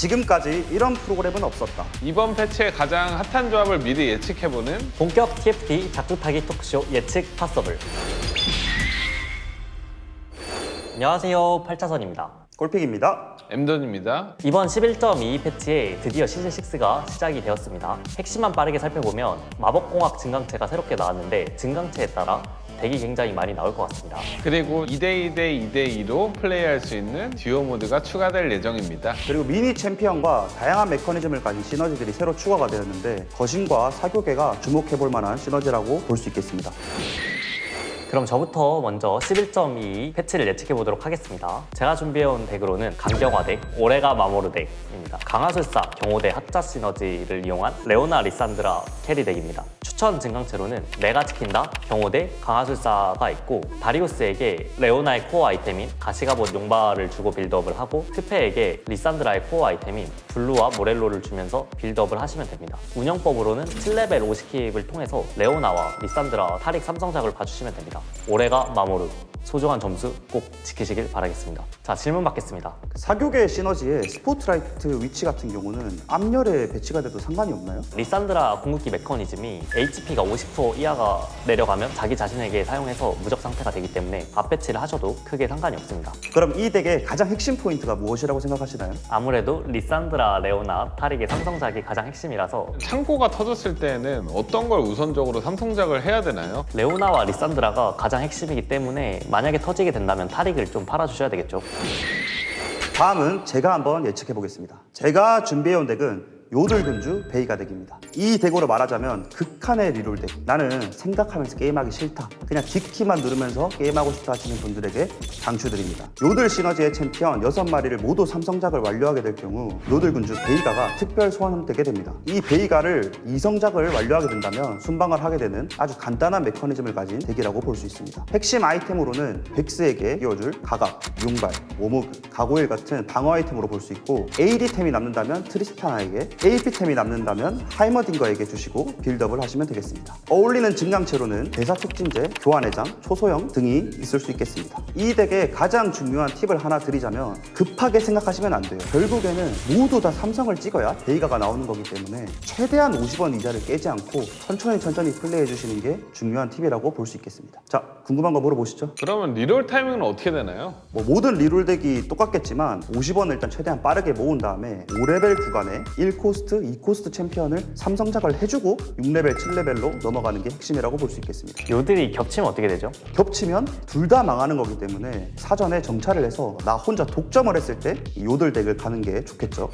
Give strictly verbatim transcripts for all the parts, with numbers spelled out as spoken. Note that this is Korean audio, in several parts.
지금까지 이런 프로그램은 없었다. 이번 패치의 가장 핫한 조합을 미리 예측해보는 본격 티에프티 작두타기 토크쇼 예측 파서블. 안녕하세요, 팔차선입니다. 골픽입니다. 엠돈입니다. 이번 십일 점 이이 패치에 드디어 시즌 식스가 시작이 되었습니다. 핵심만 빠르게 살펴보면 마법공학 증강체가 새롭게 나왔는데 증강체에 따라 덱이 굉장히 많이 나올 것 같습니다. 그리고 이 대 이 대 이 대 이로 플레이할 수 있는 듀오 모드가 추가될 예정입니다. 그리고 미니 챔피언과 다양한 메커니즘을 가진 시너지들이 새로 추가가 되었는데 거신과 사교계가 주목해볼 만한 시너지라고 볼 수 있겠습니다. 그럼 저부터 먼저 십일 점 이이 패치를 예측해 보도록 하겠습니다. 제가 준비해온 덱으로는 강경화 덱, 오레가 마모르 덱입니다. 강화술사, 경호대, 핫자 시너지를 이용한 레오나 리산드라 캐리 덱입니다. 추천 증강체로는 내가 지킨다, 경호대, 강화술사가 있고 다리우스에게 레오나의 코어 아이템인 가시가봇 용발을 주고 빌드업을 하고 트페에게 리산드라의 코어 아이템인 블루와 모렐로를 주면서 빌드업을 하시면 됩니다. 운영법으로는 칠 레벨 오십 킵을 통해서 레오나와 리산드라, 타릭 삼성작을 봐주시면 됩니다. 오레가 마모르, 소중한 점수 꼭 지키시길 바라겠습니다. 자, 질문 받겠습니다. 사교계 시너지의 스포트라이트 위치 같은 경우는 앞열에 배치가 돼도 상관이 없나요? 리산드라 궁극기 메커니즘이 에이치피가 오십 퍼센트 이하가 내려가면 자기 자신에게 사용해서 무적 상태가 되기 때문에 앞 배치를 하셔도 크게 상관이 없습니다. 그럼 이 덱의 가장 핵심 포인트가 무엇이라고 생각하시나요? 아무래도 리산드라, 레오나, 타릭의 삼성작이 가장 핵심이라서 창고가 터졌을 때는 어떤 걸 우선적으로 삼성작을 해야 되나요? 레오나와 리산드라가 가장 핵심이기 때문에 만약에 터지게 된다면 타릭을 좀 팔아주셔야 되겠죠. 다음은 제가 한번 예측해 보겠습니다. 제가 준비해온 덱은 요들근주 베이가 덱입니다. 이 덱으로 말하자면 극한의 리롤 덱. 나는 생각하면서 게임하기 싫다, 그냥 뒷키만 누르면서 게임하고 싶다 하시는 분들에게 강추드립니다. 요들 시너지의 챔피언 여섯 마리를 모두 삼성작을 완료하게 될 경우 요들근주 베이가가 특별 소환되게 됩니다. 이 베이가를 이성작을 완료하게 된다면 순방을 하게 되는 아주 간단한 메커니즘을 가진 덱이라고 볼 수 있습니다. 핵심 아이템으로는 백스에게 끼워줄 가각, 용발, 오무그, 가고일 같은 방어 아이템으로 볼 수 있고 에이디템이 남는다면 트리스타나에게, 에이피템이 남는다면 하이머딩거에게 주시고 빌드업을 하시면 되겠습니다. 어울리는 증강체로는 대사 촉진제, 교환회장, 초소형 등이 있을 수 있겠습니다. 이 덱의 가장 중요한 팁을 하나 드리자면 급하게 생각하시면 안 돼요. 결국에는 모두 다 삼성을 찍어야 베이가가 나오는 거기 때문에 최대한 오십 원 이자를 깨지 않고 천천히 천천히 플레이해 주시는 게 중요한 팁이라고 볼 수 있겠습니다. 자, 궁금한 거 물어보시죠. 그러면 리롤 타이밍은 어떻게 되나요? 뭐 모든 리롤 덱이 똑같겠지만 오십 원을 일단 최대한 빠르게 모은 다음에 오 레벨 구간에 일 코스트, 이 코스트 챔피언을 삼성작을 해주고 육 레벨, 칠 레벨로 넘어가는 게 핵심이라고 볼 수 있겠습니다. 요들이 겹치면 어떻게 되죠? 겹치면 둘 다 망하는 거기 때문에 사전에 정찰을 해서 나 혼자 독점을 했을 때 이 요들 덱을 가는 게 좋겠죠.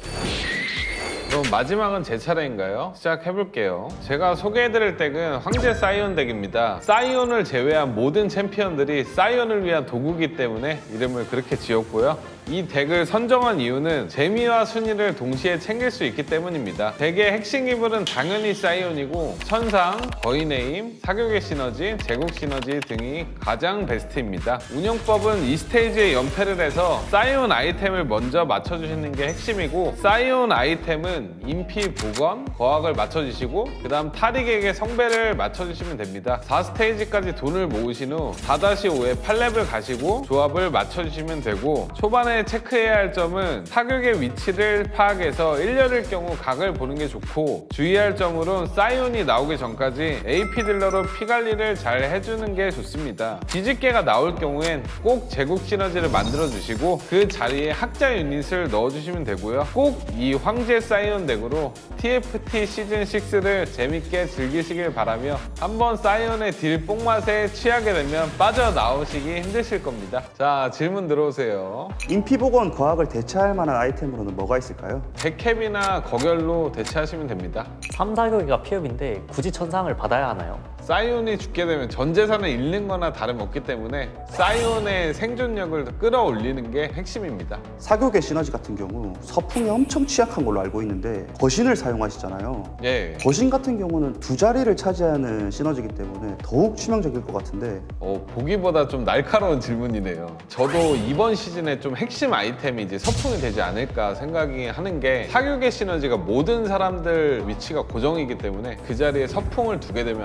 그럼 마지막은 제 차례인가요? 시작해볼게요. 제가 소개해드릴 덱은 황제 사이온 덱입니다. 사이온을 제외한 모든 챔피언들이 사이온을 위한 도구기 때문에 이름을 그렇게 지었고요. 이 덱을 선정한 이유는 재미와 순위를 동시에 챙길 수 있기 때문입니다. 덱의 핵심 기물은 당연히 사이온이고 천상, 거인의 힘, 사교계 시너지, 제국 시너지 등이 가장 베스트입니다. 운영법은 이 스테이지에 연패를 해서 사이온 아이템을 먼저 맞춰주시는 게 핵심이고 사이온 아이템은 인피, 복원, 거학을 맞춰주시고 그 다음 타릭에게 성배를 맞춰주시면 됩니다. 사 스테이지까지 돈을 모으신 후 사 오에 팔 레벨 가시고 조합을 맞춰주시면 되고 초반에 체크해야 할 점은 타격의 위치를 파악해서 일 렬일 경우 각을 보는 게 좋고 주의할 점으론 사이온이 나오기 전까지 에이피 딜러로 피 관리를 잘 해주는 게 좋습니다. 뒤집개가 나올 경우엔 꼭 제국 시너지를 만들어 주시고 그 자리에 학자 유닛을 넣어주시면 되고요. 꼭 이 황제 사이온 덱으로 티에프티 시즌 식스를 재밌게 즐기시길 바라며 한번 사이온의 딜 뽕맛에 취하게 되면 빠져나오시기 힘드실 겁니다. 자, 질문 들어오세요. 인피복원 과학을 대체할 만한 아이템으로는 뭐가 있을까요? 백캡이나 거결로 대체하시면 됩니다. 삼, 사교계가 피업인데 굳이 천상을 받아야 하나요? 사이온이 죽게 되면 전 재산을 잃는 거나 다름없기 때문에 사이온의 생존력을 끌어올리는 게 핵심입니다. 사교계 시너지 같은 경우 서풍이 엄청 취약한 걸로 알고 있는데 거신을 사용하시잖아요. 예. 거신 같은 경우는 두 자리를 차지하는 시너지이기 때문에 더욱 치명적일 것 같은데 어, 보기보다 좀 날카로운 질문이네요. 저도 이번 시즌에 좀 핵심 아이템이 이제 서풍이 되지 않을까 생각이 하는 게 사교계 시너지가 모든 사람들 위치가 고정이기 때문에 그 자리에 서풍을 두게 되면 아마 사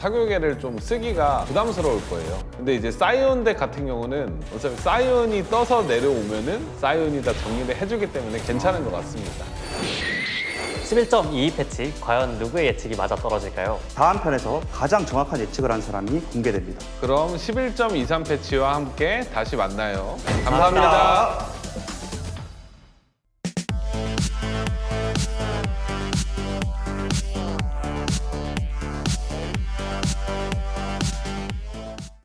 사교계를 좀 쓰기가 부담스러울 거예요. 근데 이제 사이온 덱 같은 경우는 어차피 사이온이 떠서 내려오면은 사이온이 다 정리를 해주기 때문에 괜찮은 것 같습니다. 십일 점 이이 패치, 과연 누구의 예측이 맞아 떨어질까요? 다음 편에서 가장 정확한 예측을 한 사람이 공개됩니다. 그럼 십일 점 이삼 패치와 함께 다시 만나요. 감사합니다.